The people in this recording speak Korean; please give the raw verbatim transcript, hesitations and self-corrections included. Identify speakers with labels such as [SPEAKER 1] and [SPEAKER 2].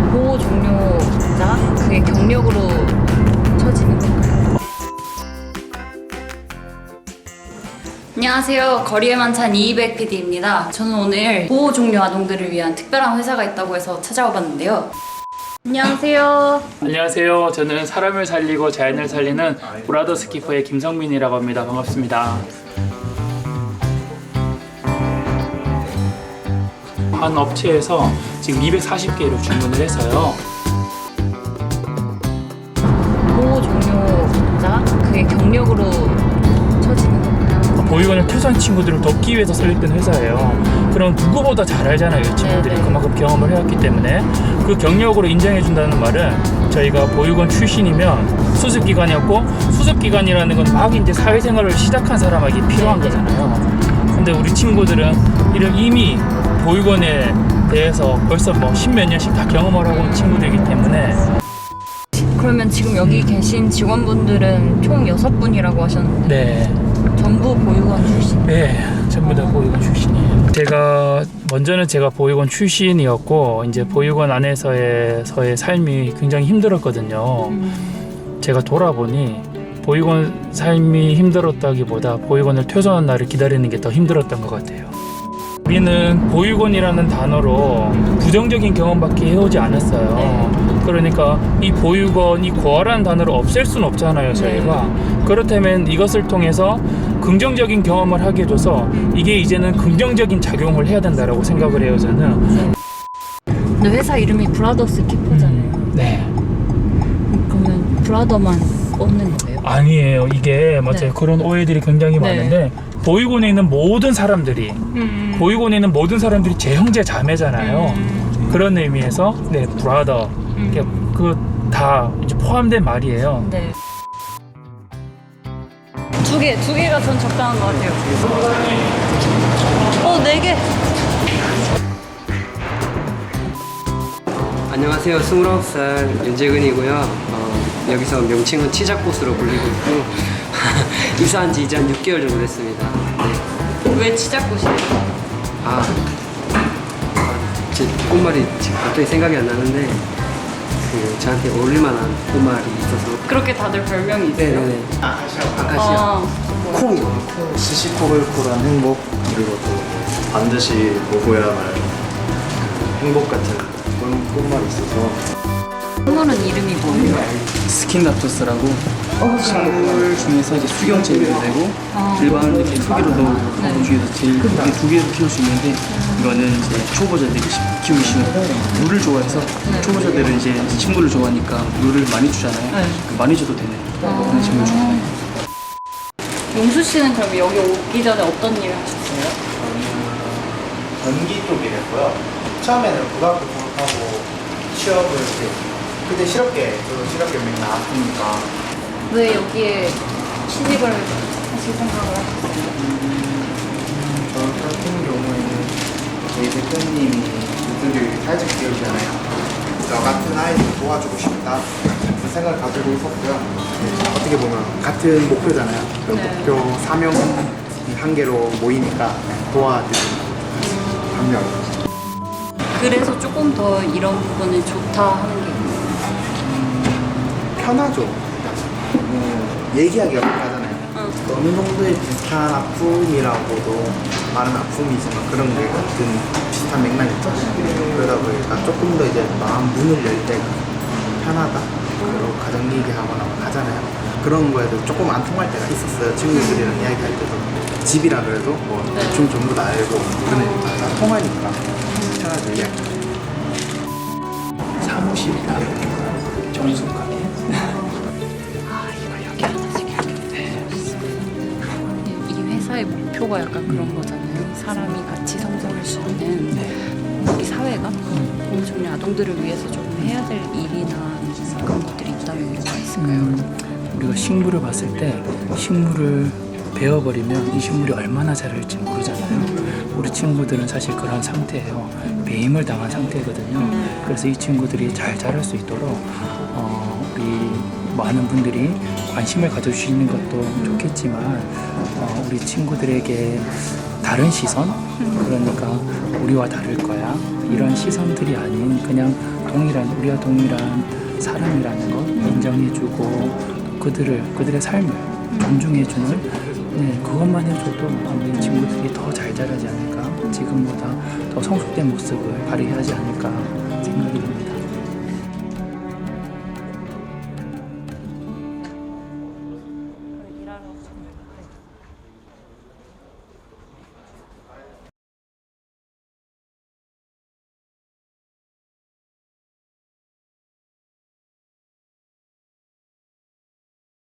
[SPEAKER 1] 보호 종료자 그게 경력으로 쳐지는 건가요? 안녕하세요. 거리의 만찬 이이백 피디입니다. 저는 오늘 보호 종료 아동들을 위한 특별한 회사가 있다고 해서 찾아와 봤는데요. 안녕하세요.
[SPEAKER 2] 안녕하세요. 저는 사람을 살리고 자연을 살리는 브라더스 키퍼의 김성민이라고 합니다. 반갑습니다. 한 업체에서 지금 이백사십 개를 주문을 해서요.
[SPEAKER 1] 보호 종료자 그게 경력으로 쳐지는 건가요?
[SPEAKER 2] 보육원을 퇴소한 친구들을 돕기 위해서 설립된 회사예요. 그럼 누구보다 잘 알잖아요. 이 친구들이
[SPEAKER 1] 네네.
[SPEAKER 2] 그만큼 경험을 해왔기 때문에 그 경력으로 인정해준다는 말은 저희가 보육원 출신이면 수습기관이었고 수습기관이라는 건 막 이제 사회생활을 시작한 사람에게 필요한 거잖아요. 근데 우리 친구들은 이를 이미 보육원에 대해서 벌써 뭐 십몇 년씩 다 경험을 하고 온 친구들이기 때문에.
[SPEAKER 1] 그러면 지금 여기 계신 직원분들은 총 여섯 분이라고 하셨는데
[SPEAKER 2] 네.
[SPEAKER 1] 전부 보육원 출신?
[SPEAKER 2] 네, 전부 다 보육원 출신이에요. 제가 먼저는 제가 보육원 출신이었고 이제 보육원 안에서의 서의 삶이 굉장히 힘들었거든요.
[SPEAKER 1] 음.
[SPEAKER 2] 제가 돌아보니 보육원 삶이 힘들었다기보다 보육원을 퇴소하는 날을 기다리는 게 더 힘들었던 것 같아요. 우리는 보육원이라는 단어로 부정적인 경험밖에 해오지 않았어요.
[SPEAKER 1] 네.
[SPEAKER 2] 그러니까 이 보육원, 이 고아라는 단어를 없앨 수는 없잖아요, 저희가. 네. 그렇다면 이것을 통해서 긍정적인 경험을 하게 해줘서 이게 이제는 긍정적인 작용을 해야 된다고 생각을 해요, 저는.
[SPEAKER 1] 네. 근데 회사 이름이 브라더스 키퍼잖아요.
[SPEAKER 2] 음, 네.
[SPEAKER 1] 그러면 브라더만 뽑는 거예요?
[SPEAKER 2] 아니에요. 이게 맞아요.
[SPEAKER 1] 네.
[SPEAKER 2] 그런 오해들이 굉장히
[SPEAKER 1] 네.
[SPEAKER 2] 많은데 보육원에 있는 모든 사람들이
[SPEAKER 1] 음.
[SPEAKER 2] 보육원에 있는 모든 사람들이 제 형제 자매잖아요.
[SPEAKER 1] 음.
[SPEAKER 2] 그런 의미에서 네 브라더
[SPEAKER 1] 음.
[SPEAKER 2] 그 다 포함된 말이에요.
[SPEAKER 1] 네. 두 개, 두 개가 전 적당한 것 같아요. 어, 네 개.
[SPEAKER 3] 안녕하세요. 스물아홉 살 윤재근이고요. 어, 여기서 명칭은 치자꽃으로 불리고 있고 입사한 지 이제 한 육 개월 정도 됐습니다. 네.
[SPEAKER 1] 왜 치자꽃이에요?
[SPEAKER 3] 아, 아, 제 꽃말이 지금 갑자기 생각이 안 나는데 그 저한테 어울릴만한 꽃말이 있어서.
[SPEAKER 1] 그렇게 다들 별명이 있어요?
[SPEAKER 3] 네네네. 아카시아.
[SPEAKER 1] 아,
[SPEAKER 3] 콩이.
[SPEAKER 4] 시시콜콜한 행복, 그리고 또 반드시 보고야만 그 행복 같은 그런 꽃말이 있어서.
[SPEAKER 1] 식물은 이름이 뭐예요?
[SPEAKER 5] 스킨답토스라고 식물 중에서 이제 수경 재배가 되고
[SPEAKER 1] 아.
[SPEAKER 5] 일반 이렇게 토기로도
[SPEAKER 1] 네.
[SPEAKER 5] 그 중에서 제일 이렇게 두 개로 키울 수 있는데 이거는 이제 초보자들이 키우기 쉬운 물을 좋아해서 초보자들은 이제 식물을 좋아하니까 물을 많이 주잖아요.
[SPEAKER 1] 네.
[SPEAKER 5] 그 많이 줘도 되는 그런 식물 좋아해요.
[SPEAKER 1] 용수 씨는 그럼 여기 오기 전에 어떤 일을 하셨어요?
[SPEAKER 4] 전기 쪽이 됐고요. 처음에는 고등학교 졸업하고 취업을 이제 그때 실업계, 저도 실업계 맨날 나왔으니까
[SPEAKER 1] 왜 여기에 취직을 하실 생각을 하셨어요?
[SPEAKER 4] 저 같은 경우에는 저희 대표님이 유튜브 사회적 기업이잖아요. 저 같은 아이들 도와주고 싶다 그 생각을 가지고 있었고요. 어떻게 보면 같은 목표잖아요. 그
[SPEAKER 1] 네.
[SPEAKER 4] 목표 사명 한 개로 모이니까 도와드리는 반면
[SPEAKER 1] 그래서 조금 더 이런 부분은 좋다 하는 게 있나요?
[SPEAKER 4] 편하죠. 음, 얘기하기가 편하잖아요.
[SPEAKER 1] 응.
[SPEAKER 4] 어느 정도의 비슷한 아픔이라고도 많은 아픔이지만 그런 게 같은 비슷한 맥락이 있잖아요. 그러다 보니까 조금 더 이제 마음 문을 열 때가 편하다. 그리고 가정 얘기하거나 하잖아요. 그런 거에도 조금 안 통할 때가 있었어요. 친구들이랑 이야기할 때도 집이라 그래도 뭐 대충 전부 다 알고 그러니까 다 통하니까 편하죠 이야기.
[SPEAKER 5] 사무실이다. 정숙하게.
[SPEAKER 1] 이 회사의 목표가 약간 그런 거잖아요. 사람이 같이 성장할 수 있는 우리 사회가 보호 종료 아동들을 위해서 좀 해야 될 일이나 그런 것들이 있다면 뭐가 있을까요?
[SPEAKER 2] 음, 우리가 식물을 봤을 때 식물을 베어버리면 이 식물이 얼마나 자랄지 모르잖아요. 우리 친구들은 사실 그런 상태예요. 배임을 당한 상태거든요. 그래서 이 친구들이 잘 자랄 수 있도록 어, 우리 많은 분들이 관심을 가져주시는 것도 좋겠지만 어, 우리 친구들에게 다른 시선, 그러니까 우리와 다를 거야, 이런 시선들이 아닌 그냥 동일한 우리와 동일한 사람이라는 것 인정해주고 그들을 그들의 삶을 존중해주는 네, 그것만 해줘도 우리 친구들이 더 잘 자라지 않을까 지금보다 더 성숙된 모습을 발휘하지 않을까 생각이 듭니다.